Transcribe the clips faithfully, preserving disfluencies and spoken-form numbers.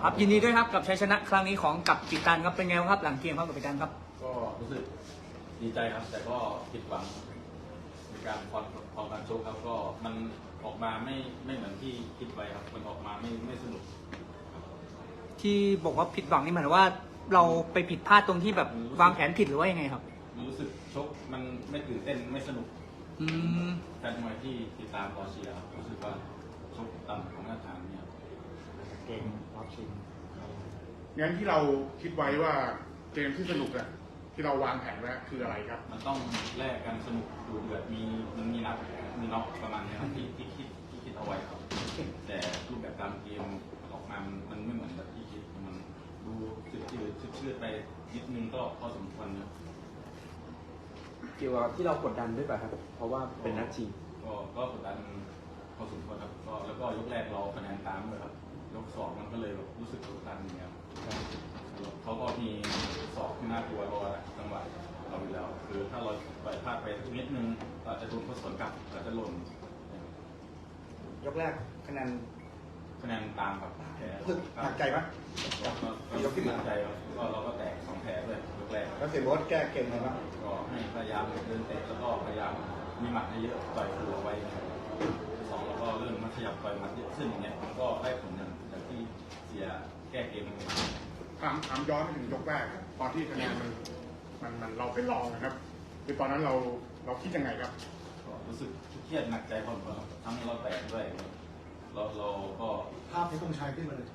ครับยินดีด้วยครับกับชัยชนะครั้งนี้ของกัปตันครับเป็นไงครับหลังเกมครับกัปตันครับก็รู้สึกดีใจครับแต่ก็ผิดหวังในการคอนของการชกครับก็มันออกมาไม่ไม่เหมือนที่คิดไว้ครับมันออกมาไม่ไม่สนุกที่บอกว่าผิดหวังนี่หมายว่าเราไปผิดพลาดตรงที่แบบวางแผนผิดหรือว่ายังไงครับรู้สึกชกมันไม่ตื่นเต้นไม่สนุกอืมแฟนมวยที่ติดตามรอเชียร์รู้สึกว่าชกต่ำของมาตรฐานเนี่ยเกมรอบชิงงั้นที่เราคิดไว้ว่าเกมที่สนุกอะที่เราวางแผนไว้คืออะไรครับมันต้องแลกกันสนุกดูเดือดมีมันมีนับมีน็อกประมาณนี้ครับที่ที่คิดที่คิดเอาไว้ครับแต่รูปแบบการเกมออกมามันไม่เหมือนแบบที่คิดมันดูชืดชืดชืดชืดไปนิดนึงก็พอสมควรนะเกี่ยวกับที่เรากดดันด้วยป่ะครับเพราะว่าเป็นนัดชิงก็ก็กดดันพอสมควรครับก็แล้วก็ยกแรกเราคะแนนตามเลยครับยกสองมันก็เลยแบบรู้สึกกดดันอย่างเงี้ยเขาก็มีสอบที่น่ากลัวรอจังหวะเราอยู่แล้วคือถ้าเราปล่อยพลาดไปนิดนึงเราจะโดนเขาสวนกลับเราจะหล่นยกแรกคะแนนคะแนนตามครับแพ้หนักใจไหมยกที่หนักใจก็เราก็แตกสองแผลเลยยกแรกแล้วเสียโบ๊ทแก้เกมไงบ้างก็ให้พยายามเดินเตะแล้วก็พยายามมีหมัดให้เยอะต่อยหัวไว้สองแล้วก็เรื่องมันขยับต่อยหมัดเยอะขึ้นอย่างเงี้ยมันก็ได้ผลอย่างที่เสียแก้เกมถามถามย้อนไปถึงยกแรกตอนที่คะแนนมันมันมันเราไปลองนะครับคือตอนนั้นเราเราคิดยังไงครับก็รู้สึกเครียดหนักใจพอสมควรทั้งเราแตกด้วยเราเราก็ภาพที่ต้องใช้ขึ้นมาเลย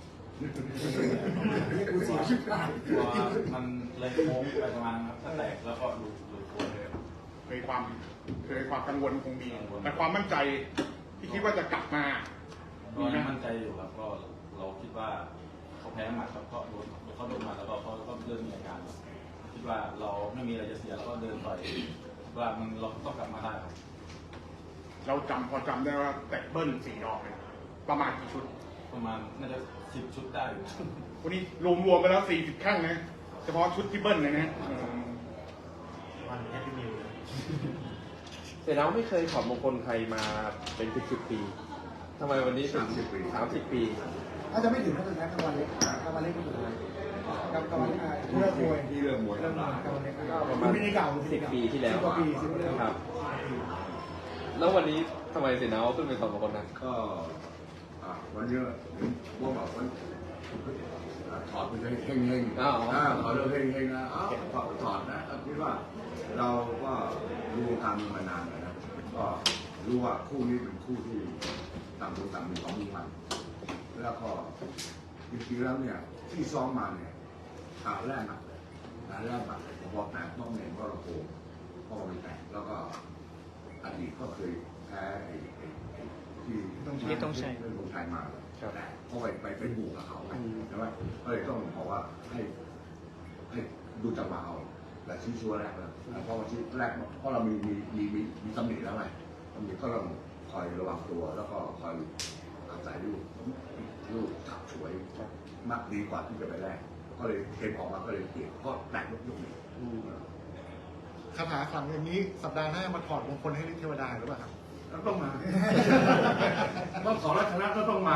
กูเสียชีวิตว่ามันเลยโค้งไปประมาณครับถ้าแตกแล้วก็หลุดหลุดโค้งเลยเคยความเคยความกังวลคงมีแต่ความมั่นใจที่คิดว่าจะกลับมาก็มั่นใจอยู่ครับก็เราคิดว่าเขาแพ้หมัดครับก็โดนเขาโดนหมัดแล้วก็เขาก็เริ่มมีอาการคิดว่าเราไม่มีอะไรจะเสียแล้วก็เดินต่อยว่ามันเราต้องกลับมาได้ครับเราจำพอจำได้ว่าแตกเบิ้ลสี่ดอกเลยประมาณกี่ชุดประมาณน่าจะสิบชุดได้วันนี้รวมรวมไปแล้วสี่สิบแข้งนะเฉพาะชุดที่เบิ้ลเลยนะวันแฮปปี้มิวเสร็จแล้วไม่เคยถอดมงคลใครมาเป็นสิบสิบปีทำไมวันนี้ถึงสามสิบปีอาจจะไม่ถึงนะตอนนั้นกำวันเล็กกำวันเล็กก็ถึงกับกำวันเล็กเลิกมวยที่เลิกมวยเลิกมวยกำวันเล็กก็ประมาณสิบปีที่แล้วครับแล้ววันนี้ทำไมเสนาขึ้นเป็นถอดมงคลนะก็วันนี้พวกแบบว่าถอดไปเลยเฮงเฮงถอดเลยเฮงเฮงนะถอดถอดนะคิดว่าเราก็รู้ทางมานานนะก็รู้ว่าคู่นี้เป็นคู่ที่ต่างคนต่างมีความมุ่งมั่นแล้วก็จริงๆแล้วเนี่ยที่ซ้อมมาเนี่ยหาแรกหนักเลยหาแรกหนักเลยพอแตกต้องเนี่ยก็ระโผล่ก็ไปแตกแล้วก็อดีตก็เคยแพ้ที่ที่ต้องใช้เรื่องของไทยมาแต่พอไปไปไปบุกกับเขาใช่ไหมก็เลยต้องบอกว่าให้ให้ดูจังหวะเอาแต่ชี้ชัวแรกเลยเพราะว่าชี้แรกเพราะเรามีมีมีมีมีตำหนิแล้วไงตำหนิก็ต้องคอยระวังตัวแล้วก็คอยอาศัยลูกลูกถักช่วยมากดีกว่าที่จะไปแรกก็เลยเกมออกมาก็เลยเปลี่ยนก็แตกลูกนี้คาถาขลังอย่างนี้สัปดาห์หน้ามาถอดมงคลให้ฤทธิ์เทวดาหรือเปล่าครับต้องมาต้องขอรัชนะก็ต้องมา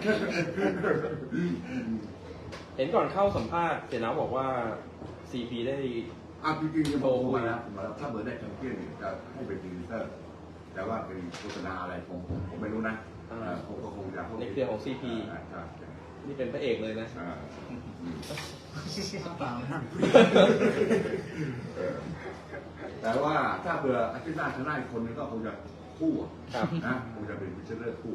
เห็นก่อนเข้าสัมภาษณ์เสนาบอกว่า ซี พี ได้อ่ะจริงๆจะบอกมาแล้วถ้าเบอร์ได้แชมเปี้ยนจะให้เป็นพรีเซนเตอร์แต่ว่าเป็นโฆษณาอะไรผมผมไม่รู้นะผมก็คงจะในเครือของ ซี พี นี่เป็นพระเอกเลยนะแต่ว่าถ้าเบื่ออาทิตย์หน้าชนะอีกคนนึงก็คงจะคู่นะคงจะเป็นพิเศษเลือกคู่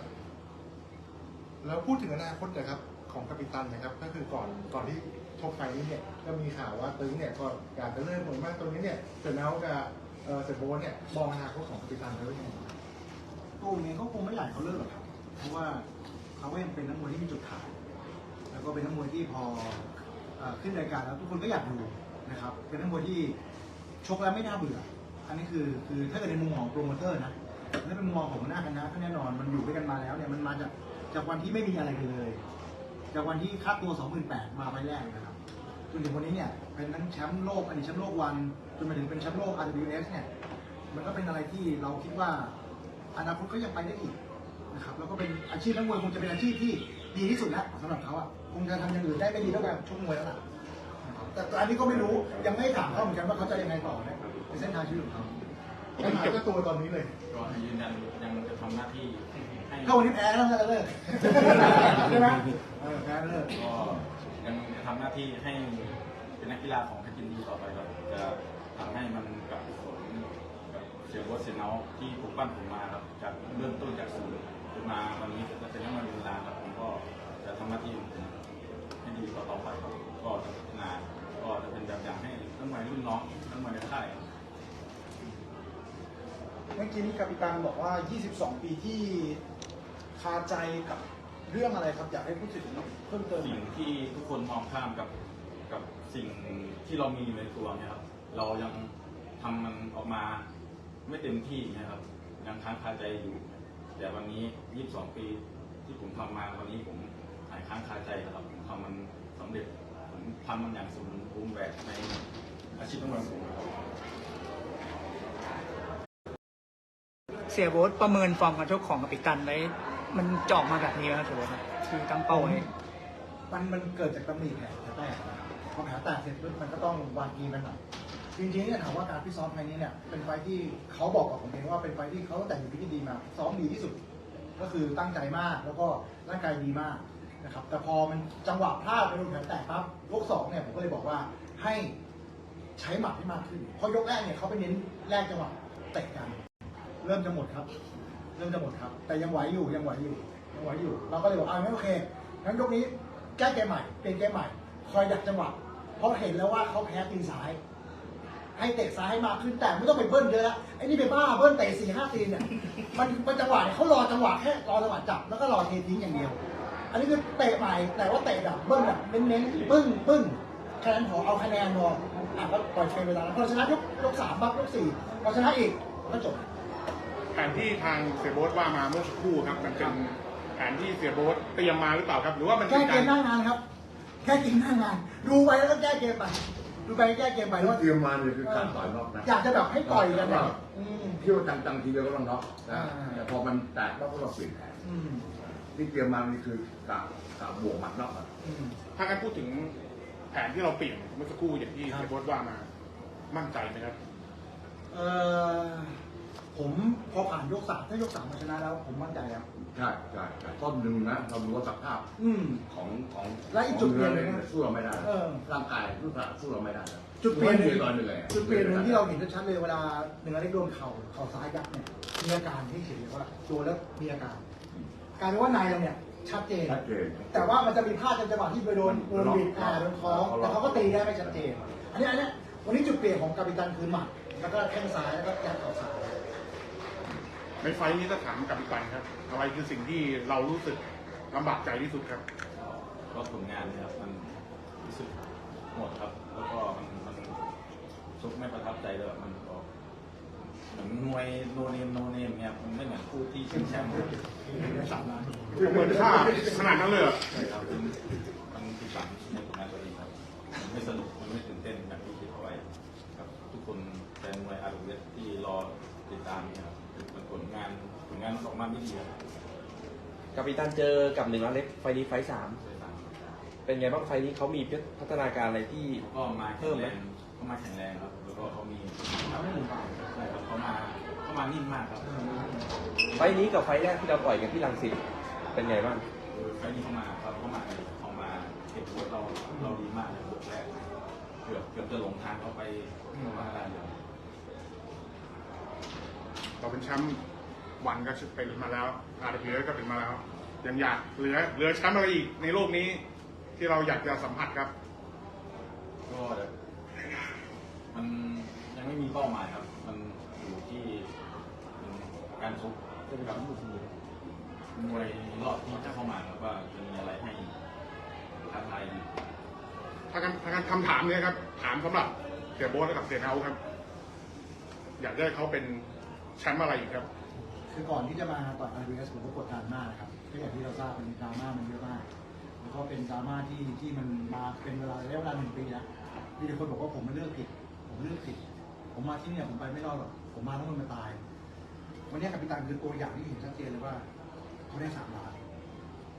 แล้วพูดถึงอนาคตนะครับของกัปตันนะครับก็คือก่อนก่อนที่ชกไฟนี้เนี่ยก็มีข่าวว่าตึงเนี่ยก็อยากจะเริ่มผลมากตรงนี้เนี่ยเสร็จแล้วกับเสร็จโบนเนี่ยมองอนาคตของกัปตันเขาเป็นยังไงตู้นี้เขาคงไม่อยากเขาเลิกหรอกครับเพราะว่าเขาเองเป็นนักมวยที่มีจุดขายแล้วก็เป็นนักมวยที่พอขึ้นรายการแล้วทุกคนก็อยากดูนะครับเป็นนักมวยที่ชกแล้วไม่น่าเบื่ออันนี้คือคือถ้าเกิดในมุมของโปรโมเตอร์นะถ้าเป็นมุมมองของหน้าคณะก็แน่นอนมันอยู่ด้วยกันมาแล้วเนี่ยมันมาจากจากวันที่ไม่มีอะไรกันเลยจากวันที่ค่าตัว สองหมื่นแปดพัน มาไปแรกนะครับจนถึงวันนี้เนี่ยเป็นทั้งแชมป์โลกอดีตแชมป์โลกวันจนมาถึงเป็นแชมป์โลก อาร์ ดับเบิลยู เอส เนี่ยมันก็เป็นอะไรที่เราคิดว่าอนาคตก็ยังไปได้อีกนะครับแล้วก็เป็นอาชีพนักมวยคงจะเป็นอาชีพที่ดีที่สุดแล้วสำหรับเขาอ่ะคงจะทำอย่างอื่นได้ไม่ดีเท่ากับชกมวยแล้วล่ะนะครับแต่อันนี้ก็ไม่รู้ยังไม่ถามเขาเหมือนกันว่าเขาจะยังไงต่อนะในเส้นทางชีวิตของเขาปัญหาก็ตัวตอนนี้เลยก็ยืนยันยังจะทำหน้าที่ให้ถ้าวันนี้แพ้แล้วจะเลิกใช่ไหมเออแพ้เลิกก็ยังจะทำหน้าที่ให้เป็นนักกีฬาของเพชรยินดีต่อไปครับจะทำให้มันกลับผลกับเสียโบ๊ทเสียเนาที่ปลูกปั้นผมมาครับจากเริ่มต้นจากศูนย์จนมาวันนี้จะเป็นนักมวยเวลาครับผมก็จะทำหน้าที่ของผมให้ดีต่อไปครับก็จะพัฒนาก็จะเป็นแบบอย่างให้นักมวยรุ่นน้องนักมวยในค่ายครับเมื่อกี้นี้กัปตันบอกว่า ยี่สิบสอง ปีที่คาใจกับเรื่องอะไรครับ อยากให้พูดถึงเพิ่มเติมสิ่งที่ทุกคนมองข้ามกับกับสิ่งที่เรามีอยู่ในตัวเนี่ยครับเรายังทำมันออกมาไม่เต็มที่นะครับยังค้างคาใจอยู่ แต่วันนี้ ยี่สิบสอง ปีที่ผมทำมาวันนี้ผมหายค้างคาใจนะครับผมทำมันสำเร็จผมทำมันอย่างสมบูรณ์แบบในอาชีพนักมวยของผมครับเสียโบ๊ทประเมินฟอร์มการชกของกัปตันไว้มันจะออกมาแบบนี้แล้วเสียโบ๊ทครับคือตั้งเป้าไว้มันมันเกิดจากตำหนิแผลแตกนะครับพอแผลแตกเสร็จปุ๊บมันก็ต้องวางเกมมันหน่อยจริงๆเนี่ยถามว่าการพิซ้อมไฟนี้เนี่ยเป็นไฟที่เขาบอกกับผมเองว่าเป็นไฟที่เขาตั้งแต่อยู่พิธีดีมาซ้อมดีที่สุด ก็คือตั้งใจมากแล้วก็ร่างกายดีมากนะครับแต่พอมันจังหวะพลาดไปโดนแผลแตกปั๊บยกสองเนี่ยผมก็เลยบอกว่าให้ใช้หมัดให้มากขึ้นเพราะยกแรกเนี่ยเขาไปเน้นแรกจังหวะเตะกัน เริ่มจะหมดครับ เริ่มจะหมดครับ แต่ยังไหวอยู่ยังไหวอยู่ยังไหวอยู่ เราก็เลยบอกอ่าไม่โอเคงั้นยกนี้แก้เกมใหม่เปลี่ยนเกมใหม่ คอยดักจังหวะเพราะเห็นแล้วว่าเขาแพ้ตีนซ้าย ให้เตะซ้ายให้มากขึ้นแต่ไม่ต้องไปเบิ้ลเยอะแล้วไอ้นี่ไปบ้าเบิ้ลเตะสี่ห้าตีนเนี่ยมันมันจังหวะเนี่ยเขารอจังหวะแค่รอจังหวะจับแล้วก็รอเททิ้งอย่างเดียว อันนี้คือเตะใหม่แต่ว่าเตะแบบเบิ้ลแบบเน้นๆปึ้งปึ้งแค่นั้นพอเอาคะแนนพออ่ะก็ปล่อยเทเวลาพอชนะยกยกสามปั๊บยกสี่พอชนะอีกก็จบแผนที่ทางเสียโบ๊ทว่ามาเมื่อสักครู่ครับมันเป็นแผนที่เสียโบ๊ทเตรียมมาหรือเปล่าครับ หรือว่ามันแก้เป็นเกการมหน้างานครับ แก้เกมหน้างาน ดูไปแล้วก็แก้เกมไป ดูไปแก้เกมไปที่ว่าเตรียมมาเนี่ยคือการต่อยนอกนะอยากจะแบบให้ต่อยกันเนี่ยอืมเที่ยวจังๆทีเดียวก็ต้องน็อกนะอ่าแต่พอมันแตกแล้วก็เราเปลี่ยนแผนอืมที่เตรียมมานี่คือกะกะบวกหมัดนอกอะอืมถ้าการพูดถึงแผนที่เราเปลี่ยนเมื่อสักครู่อย่างที่เสียโบ๊ทว่ามามั่นใจไหมครับเอ่อผมพอผ่านยกสามถ้ายกสามมาชนะแล้ว ผมมั่นใจแล้วใช่ใช่ใช่ต้นหนึ่งนะเราดูว่าสภาพอืมของของและอีกจุดเปลี่ยนหนึ่งของนะสู้เราไม่ได้เออร่างกายสู้เราสู้เราไม่ได้นะจุดเปลี่ยนหนึ่งตอนเหนื่อยอะจุดเปลี่ยนหนึ่งที่เราเห็นชัดเลยเวลาหนึ่งอเล็กโดนเข่าเข่าซ้ายยัดเนี่ยมีอาการที่เห็นเลยว่าโดนแล้วมีอาการกลายเป็นว่านายเราเนี่ยชัดเจนชัดเจนแต่ว่ามันจะมีพลาดจังหวะที่ไปโดนโดนบิดอ่าโดนท้องแต่เขาก็ตีได้ไม่ชัดเจน อันนี้อันนี้วันนี้จุดเปลี่ยนของกัปตันคือหมัดแล้วก็แข้งซ้ายแล้วก็ยัดเข่าซ้ายในไฟล์นี้ถ้าถามกับอีกปันครับอะไรคือสิ่งที่เรารู้สึกลำบากใจที่สุดครับก็ผลงานเนี่ยครับมันรู้สึกหมดครับ แล้วก็มันมันชกไม่ประทับใจเลยแบบมันก็เหมือนมวยโนเนมโนเนมเนี่ยมันไม่เหมือนคู่ที่ชิงแชมป์เลยสามล้านเหมือนค่าขนาดนั้นเลยเหรอใช่ครับมันมันผิดหวังในผลงานตัวเองครับมันไม่สนุกมันไม่ตื่นเต้นแบบที่คิดเอาไว้ครับทุกคนแฟนมวยอาร์เวสที่รอติดตามเนี่ยครับเป็นผลงานผลงานมันออกมาไม่ดีครับกัปตันเจอกับหนึ่งอเล็กไฟนี้ไฟสามใช่ครับเป็นไงบ้างไฟนี้เขามีพัฒนาการอะไรที่ก็มาแข็งแรงเขามาแข็งแรงครับแล้วก็เขามีใช่ครับเขามาเขามานิ่มมากครับไฟนี้กับไฟแรกที่เราต่อยกันที่รังสิตเป็นไงบ้างไฟล์นี้เข้ามาครับเข้ามาเข้ามาเก็บรถเราเราดีมากเลยบทแรกเกือบเกือบจะหลงทางเขาไปเข้ามาได้เลยเราเป็นแชมป์วันก็เป็นมาแล้วอาร์พีก็เป็นมาแล้ว ยังอยากเหลือเหลือแชมป์อะไรอีกในโลกนี้ ที่เราอยากจะสัมผัสครับก็มันยังไม่มีเป้าหมายครับ มันอยู่ที่การชกกับมวยรอบที่จะเข้ามาครับว่าจะมีอะไรให้ท้าทายอีกถ้าการถ้าการคำถามเนี้ยครับ ถามสำหรับเสียโบ๊ทและกับเสียเท้าครับ อยากได้เขาเป็นแชมป์อะไรอีกครับคือก่อนที่จะมาต่อยอาร์บีเอสผมก็กดดันมากนะครับก็อย่างที่เราทราบเป็นดราม่ามันเยอะมากแล้วก็เป็นดราม่าที่ที่มันมาเป็นเวลาระยะเวลาหนึ่งปีแล้วมีแต่คนบอกว่าผมไม่เลือกผิด ผมเลือกผิด ผมมาที่เนี่ยผมไปไม่รอดหรอกผมมาแล้วมันมาตาย วันนี้กัปตันคือตัวอย่างที่เห็นชัดเจนเลยว่าเขาได้สามล้าน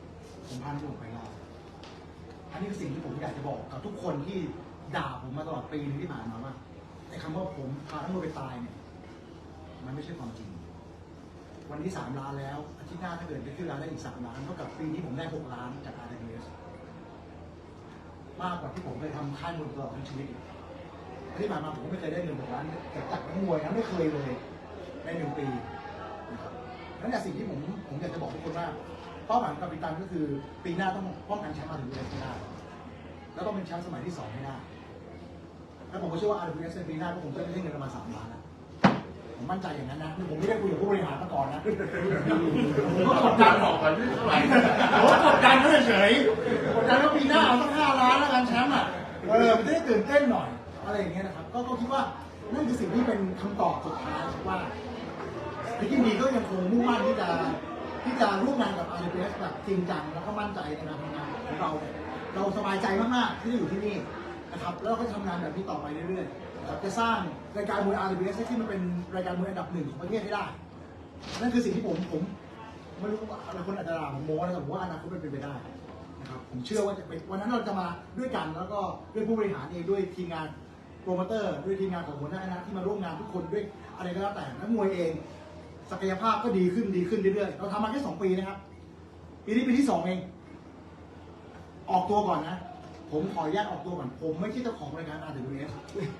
ผมพานักมวยไปรอดอันนี้คือสิ่งที่ผมอยากจะบอกกับทุกคนที่ด่าผมมาตลอดปีนึงที่ผ่านมาว่าไอ้คำว่าผมพานักมวยไปตายเนี่ยมันไม่ใช่ความจริงวันนี้สามล้านแล้วอาทิตย์หน้าถ้าเกิดได้ขึ้นล้านได้อีกสามล้านเท่ากับปีนี้ผมได้หกล้านจาก อาร์ ดับเบิลยู เอส มากกว่าที่ผมเคยทำค่ายมวยตลอดทั้งชีวิตอีกที่ผ่านมาผมก็ไม่เคยได้เงินหกล้านจากนักมวยนะไม่เคยเลยในหนึ่งปีนะครับนั่นแหละสิ่งที่ผมผมอยากจะบอกทุกคนว่าเป้าหมายของกัปตันก็คือปีหน้าต้องป้องกันแชมป์ อาร์ ดับเบิลยู เอส ให้ได้แล้วต้องเป็นแชมป์สมัยที่สองให้ได้แล้วผมก็เชื่อว่า อาร์ ดับเบิลยู เอส ในปีหน้าก็คงจะได้เงินประมาณสามล้านนะผมมั่นใจอย่างนั้นนะผมไม่ได้คุยกับผู้บริหารมาก่อนนะผมก็กดดันบอกกันที่เท่าไหร่ผมก็กดดันเขาเฉยๆกดดันว่าปีหน้าเอาสักห้าล้านแล้วกันแชมป์อ่ะเออมันจะได้ตื่นเต้นหน่อยอะไรอย่างเงี้ยนะครับก็ก็คิดว่านั่นคือสิ่งที่เป็นคำตอบสุดท้ายว่าพิกินีก็ยังคงมุ่งมั่นที่จะที่จะร่วมงานกับ อาร์ ดับเบิลยู เอส แบบจริงจังแล้วก็มั่นใจในการทำงานของเราเนี่ยเราสบายใจมากๆที่ได้อยู่ที่นี่นะครับแล้วเราก็ทำงานแบบนี้ต่อไปเรื่อยๆนะครับจะสร้างรายการมวย อาร์ ดับเบิลยู เอส ที่มันเป็นรายการมวยอันดับหนึ่งของประเทศให้ได้นั่นคือสิ่งที่ผมผมไม่รู้ว่าอะไรคนอาจจะด่าผมโม้นะแต่ผมว่าอนาคตมันเป็นไปได้นะครับผมเชื่อว่าจะเป็นวันนั้นเราจะมาด้วยกันแล้วก็ด้วยผู้บริหารเองด้วยทีมงานโปรโมเตอร์ด้วยทีมงานของหัวหน้าคณะที่มาร่วมงานทุกคนด้วยอะไรก็แล้วแต่นักมวยเองศักยภาพก็ดีขึ้นดีขึ้นเรื่อยๆเราทำมาแค่สองปีนะครับปีนี้ปีที่สองเองออกตัวก่อนนะผมขออนุญาตออกตัวก่อนผมไม่ใช่เจ้าของรายการ อาร์ ดับเบิลยู เอส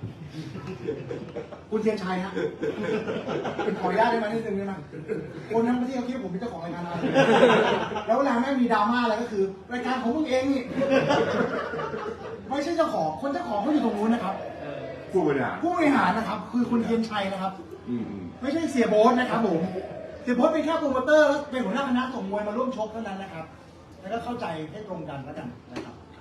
คุณเทียนชัยฮะเป็นขออนุญาตได้ไหมนิดนึงได้ไหมคนทั้งประเทศเขาคิดว่าผมเป็นเจ้าของรายการ อาร์ ดับเบิลยู เอส แล้วเวลาแม่งมีดราม่าอะไรก็คือรายการของมึงเองนี่ไม่ใช่เจ้าของคนเจ้าของเขาอยู่ตรงนู้นนะครับผู้บริหารผู้บริหารนะครับคือคุณเทียนชัยนะครับอืมอืมไม่ใช่เสียโบ๊ทนะครับผมเสียโบ๊ทเป็นแค่โปรโมเตอร์แล้วเป็นหัวหน้าคณะส่งมวยมาร่วมชกเท่านั้นนะครับแล้วก็เข้าใจให้ตรงกันแล้วกันนะครับ